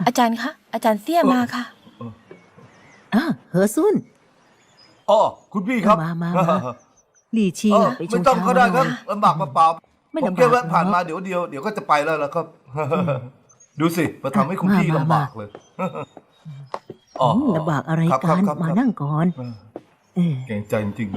อาจารย์คะอาจารย์เสี่ยมาค่ะเหอซุนอ๋อคุณพี่ครับมาหลี่ชิงไปชไม่งต้องชาก็มาได้หคน่รัอบ ยลำบากเปล่าไม่ผมลำบากแค่แวะผ่านหรอกมาเดี๋ยวก็จะไปแล้วล่ะครับ ดูสิมาทำให้คุณพี่มาลำบากเลยอ๋อลำบากอะไรครับกันครับมาครับนั่งก่อนเออเก่งใจจริงๆเลย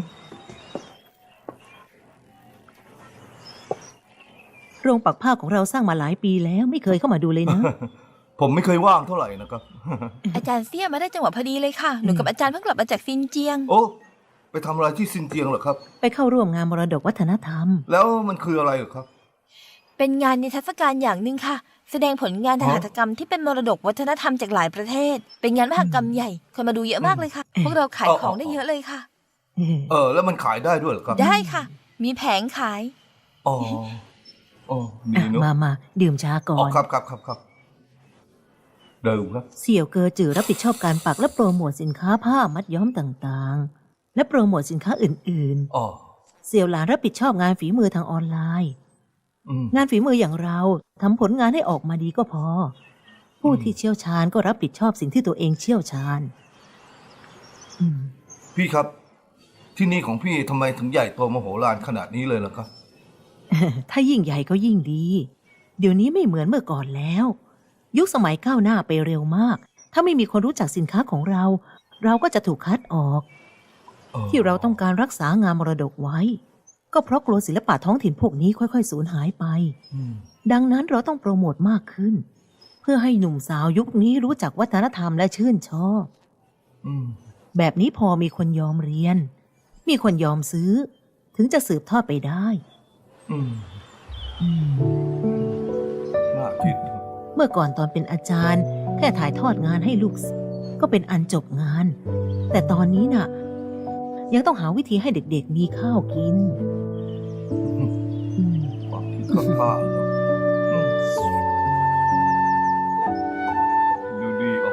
โรงปักผ้าของเราสร้างมาหลายปีแล้วไม่เคยเข้ามาดูเลยนะผมไม่เคยว่างเท่าไหร่นะครับอาจารย์เสี่ยมาได้จังหวะพอดีเลยค่ะหนูกับอาจารย์เพิ่งกลับมาจากซินเจียงโอ้ไปทำอะไรที่ซินเจียงเหรอครับไปเข้าร่วมงานมรดกวัฒนธรรมแล้วมันคืออะไรเหรอครับเป็นงานนิทรรศการอย่างหนึ่งค่ะ แสดงผลงานทางหัตถกรรมที่เป็นมรดกวัฒนธรรมจากหลายประเทศ เป็นงานมหกรรมใหญ่คนมาดูเยอะมากเลยค่ะ พวกเราขายของได้เยอะเลยค่ะแล้วมันขายได้ด้วยเหรอครับได้ค่ะ มีแผงขายอ๋อดีเนอะมาดื่มชาก่ออ๋อน ครับเดิมครับเสี่ยวเกอจือรับผิดชอบการปักและโปรโมทสินค้าผ้ามัดย้อมต่างๆ และโปรโมทสินค้าอื่นอ๋อๆ เสี่ยวหลานรับผิดชอบงานฝีมือทางออนไลน์อืมงานฝีมืออย่างเราทำผลงานให้ออกมาดีก็พอ ผู้ที่เชี่ยวชาญก็รับผิดชอบสิ่งที่ตัวเองเชี่ยวชาญพี่ครับ ที่นี่ของพี่ทำไมถึงใหญ่โตมโหฬารขนาดนี้เลยล่ะครับถ้ายิ่งใหญ่ก็ยิ่งดี เดี๋ยวนี้ไม่เหมือนเมื่อก่อนแล้ว ยุคสมัยก้าวหน้าไปเร็วมาก ถ้าไม่มีคนรู้จักสินค้าของเรา เราก็จะถูกคัดออก ที่เราต้องการรักษางานมรดกไว้ ก็เพราะกลัวศิลปะท้องถิ่นพวกนี้ค่อยๆสูญหายไป ดังนั้นเราต้องโปรโมทมากขึ้น เพื่อให้หนุ่มสาวยุคนี้รู้จักวัฒนธรรมและชื่นชอบ แบบนี้พอมีคนยอมเรียน มีคนยอมซื้อ ถึงจะสืบทอดไปได้น่าคิดเมื่อก่อนตอนเป็นอาจารย์ แค่ถ่ายทอดงานให้ลูกศิษย์ก็เป็นอันจบงาน แต่ตอนนี้น่ะ ยังต้องหาวิธีให้เด็กๆมีข้าวกินความคิดก็กล้าเนอะดูดีออก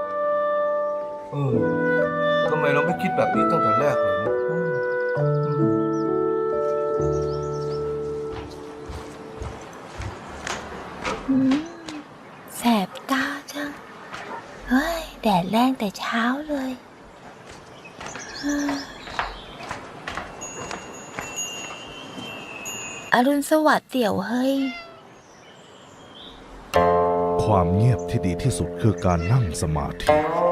ทำไมเราไม่คิดแบบนี้ตั้งแต่แรกเลยนะแสบตาจัง เฮ้ย แดดแรงแต่เช้าเลยอรุณสวัสดิ์เตี่ยวเฮ้ยความเงียบที่ดีที่สุดคือการนั่งสมาธิ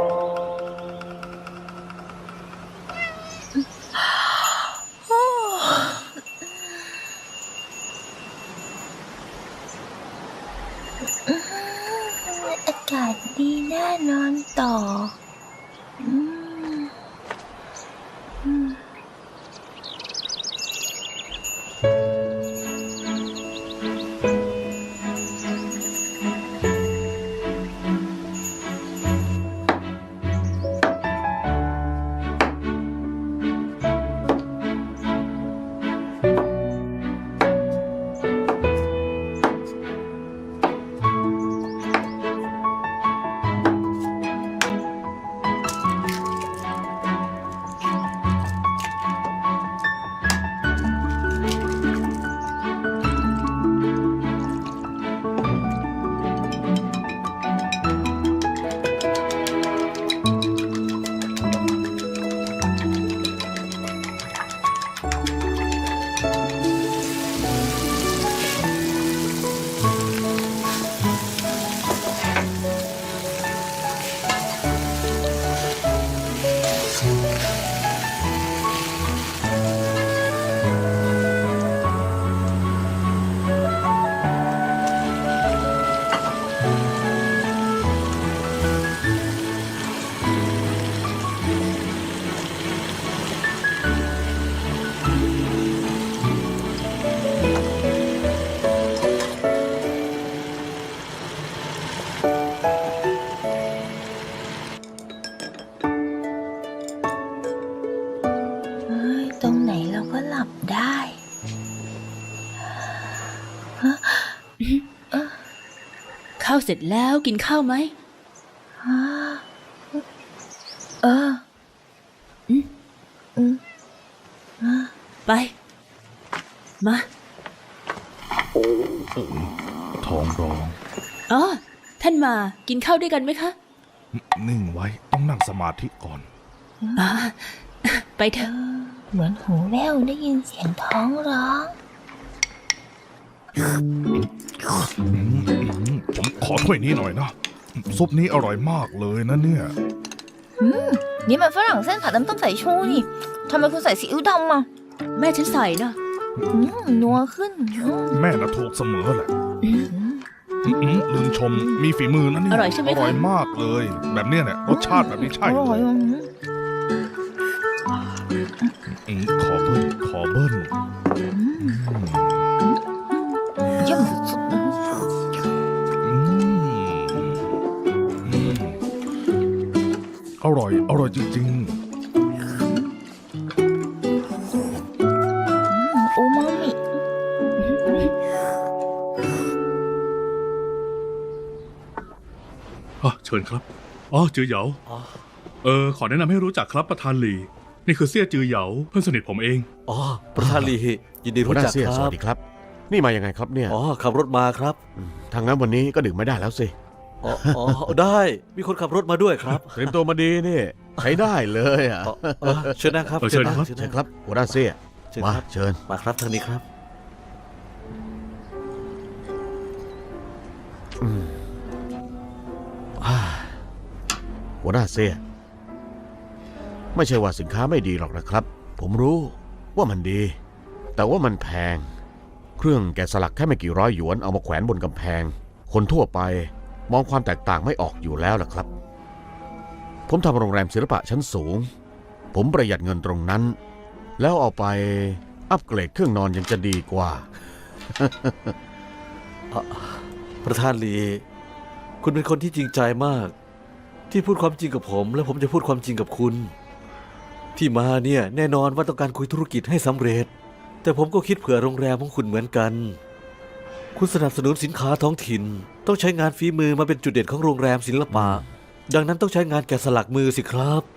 อากาศดีน่านอนต่อ ตรงไหนเราก็หลับได้ข้าวเสร็จแล้วกินข้าวไหม ไป มาท้องร้องอ๋อท่านมากินข้าวด้วยกันไหมคะนิ่งไว้ต้องนั่งสมาธิก่อนอ่าไปเถอะเหมือนหูแว่วได้ยินเสียงท้องร้องผมขอถ้วยนี้หน่อยนะ ซุปนี้อร่อยมากเลยนะเนี่ยนี่มันฝรั่งเส้นผัดน้ำต้มสายชูนี่ทำไมคุณใส่ซีอิ๊วดำอ่ะแม่ฉันใส่นะนัวขึ้นแม่น่ะถูกเสมอแหละลืมชมมีฝีมือนะเนี่ยอร่อยใช่ไหมคะอร่อยมากเลย แบบเนี้ยเนี่ยรสชาติแบบนี้ใช่อเลร่อยยขอเบิ้ลเยี่ยมสุดๆนะอร่อยจริงอูมามิเชิญครับ จือเหยาขอแนะนำให้รู้จักครับประธานหลี นี่คือเสี่ยจือเหยาเพื่อนสนิทผมเองอ๋อ ประธานลียินดีหัวรู้หน้าจักเสี่ยคสรัวับสดีครับ นี่มายังไงครับเนี่ยอ๋อ ขับรถมาครับทางนั้นวันนี้ก็ดื่มไม่ได้แล้วสิอ๋อ ได้ มีคนขับรถมาด้วยครับเตรียมตัวมาดีนี่ใช้ได้เลยอ่ะเชิญนะครับเชิญครับเชิญเชิญนะครับหัวหน้าเสี่ยเชิญมาครับเชิญมาครับทางนี้ครับหัวหน้าเสี่ยไม่ใช่ว่าสินค้าไม่ดีหรอกนะครับ ผมรู้ว่ามันดี แต่ว่ามันแพง เครื่องแกะสลักแค่ไม่กี่ร้อยหยวนเอามาแขวนบนกำแพง คนทั่วไปมองความแตกต่างไม่ออกอยู่แล้วล่ะครับ ผมทำโรงแรมศิลปะชั้นสูง ผมประหยัดเงินตรงนั้น แล้วเอาไปอัปเกรดเครื่องนอนยังจะดีกว่าประธานลีคุณเป็นคนที่จริงใจมาก ที่พูดความจริงกับผม และผมจะพูดความจริงกับคุณ ที่มาเนี่ยแน่นอนว่าต้องการคุยธุรกิจให้สำเร็จ แต่ผมก็คิดเผื่อโรงแรมของคุณเหมือนกัน คุณสนับสนุนสินค้าท้องถิ่น ต้องใช้งานฝีมือมาเป็นจุดเด่นของโรงแรมศิลปะ ดังนั้นต้องใช้งานแกะสลักมือสิครับ